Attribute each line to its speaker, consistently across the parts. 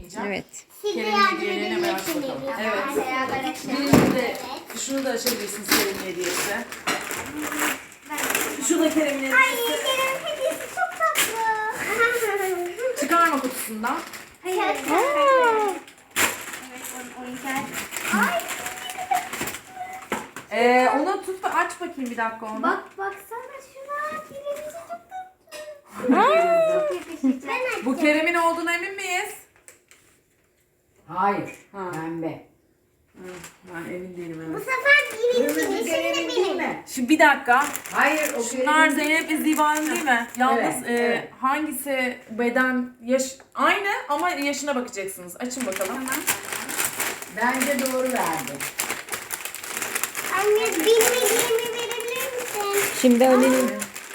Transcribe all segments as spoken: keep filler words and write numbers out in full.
Speaker 1: bakmayacağım.
Speaker 2: Evet.
Speaker 3: Siz de
Speaker 1: Kerim'in
Speaker 3: yardım
Speaker 1: hediyelerini
Speaker 3: edin.
Speaker 1: hemen aç bakalım. Evet.
Speaker 3: Beraber açalım.
Speaker 1: Birinci de şunu da açabilirsiniz Kerim'in hediyesi. Şu da Kerim'in
Speaker 3: Ay
Speaker 1: hediyesi.
Speaker 3: Kerem hediyesi çok tatlı.
Speaker 1: Çıkarma kutusundan.
Speaker 3: Hayır.
Speaker 2: Aa,
Speaker 3: Evet, onun oyuncak. Ay.
Speaker 1: Ee, onu tut da aç bakayım bir dakika onu.
Speaker 3: Bak baksana şuna. Kerem'in çok tatlı.
Speaker 2: aa.
Speaker 3: Çok yakışacak. Ben açacağım.
Speaker 1: Bu Kerem'in olduğuna emin miyiz?
Speaker 4: Hayır.
Speaker 1: Ha.
Speaker 4: Pembe.
Speaker 1: Hı, ben emin değilim
Speaker 3: Bu
Speaker 1: evet.
Speaker 3: sefer
Speaker 4: Kırmızı
Speaker 3: birincinin
Speaker 4: Kerem'in
Speaker 3: şimdi
Speaker 4: değil
Speaker 3: benim.
Speaker 4: mi?
Speaker 1: Şimdi bir dakika.
Speaker 4: Hayır o
Speaker 1: Şunlar
Speaker 4: Kerem'in
Speaker 1: Zeynep ve Ziba'nın değil mi? Yalnız
Speaker 4: Evet,
Speaker 1: e,
Speaker 4: evet.
Speaker 1: hangisi beden yaş aynı ama yaşına bakacaksınız. Açın bakalım.
Speaker 4: Bence doğru verdi.
Speaker 3: Anne bilmediğimi verebilir misin?
Speaker 2: Şimdi Ali'nin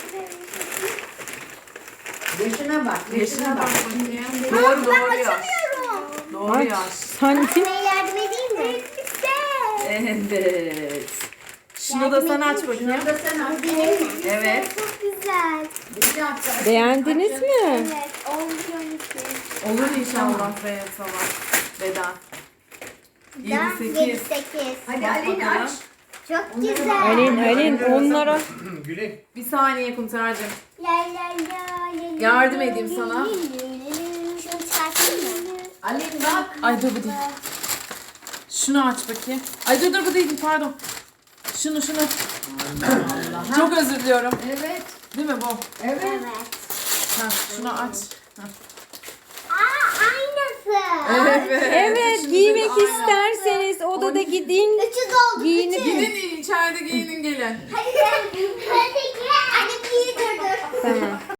Speaker 4: Yaşına bak.
Speaker 1: Yaşına bak
Speaker 4: Şimdi
Speaker 1: bakayım.
Speaker 4: içinde-
Speaker 1: Doğru doğru yaş.
Speaker 3: Açamıyorum.
Speaker 1: Doğru
Speaker 2: aç.
Speaker 1: yaş.
Speaker 2: Sanki
Speaker 3: Anne yardım edeyim mi? Güzel.
Speaker 1: Evet. Şunu da sen aç bakayım.
Speaker 4: Şunu da sen aç.
Speaker 3: Benim mi?
Speaker 1: Evet.
Speaker 3: Çok güzel.
Speaker 4: Bir dakika.
Speaker 2: beğendiniz
Speaker 4: Açın.
Speaker 2: mi?
Speaker 3: Evet. On
Speaker 1: Olur inşallah Zeynep sana. Beden. yedi
Speaker 3: yedi
Speaker 1: sekiz.
Speaker 3: sekiz.
Speaker 4: Hadi
Speaker 1: Bak
Speaker 4: Alin
Speaker 1: bakalım.
Speaker 4: aç.
Speaker 3: Çok
Speaker 4: Onları
Speaker 3: güzel.
Speaker 4: bak.
Speaker 2: Alin, Alin onlara
Speaker 5: Gülün.
Speaker 1: Bir saniye Kumser'cim.
Speaker 3: La la la la.
Speaker 1: Yardım edeyim sana.
Speaker 3: Şunu çıkartayım mı?
Speaker 4: Alin bak.
Speaker 1: Ay dur bu değil. Şunu aç bakayım. Ay dur dur bu değil pardon. Şunu şunu.
Speaker 4: Allah.
Speaker 1: Çok özür diliyorum.
Speaker 4: Evet.
Speaker 1: Değil mi bu?
Speaker 4: Evet.
Speaker 3: Evet.
Speaker 1: Ha, şunu aç. Ha.
Speaker 3: Aa aynısı.
Speaker 1: Evet.
Speaker 2: evet
Speaker 1: Şimdi
Speaker 2: giymek
Speaker 1: aynen.
Speaker 2: isterseniz odada gidin.
Speaker 3: Üçü doldu.
Speaker 2: Giyinip-
Speaker 3: Üçü.
Speaker 1: Gidin içeride giyinin gelin.
Speaker 3: Hadi sen. Hadi gel. Hadi giydirdir.
Speaker 2: Tamam.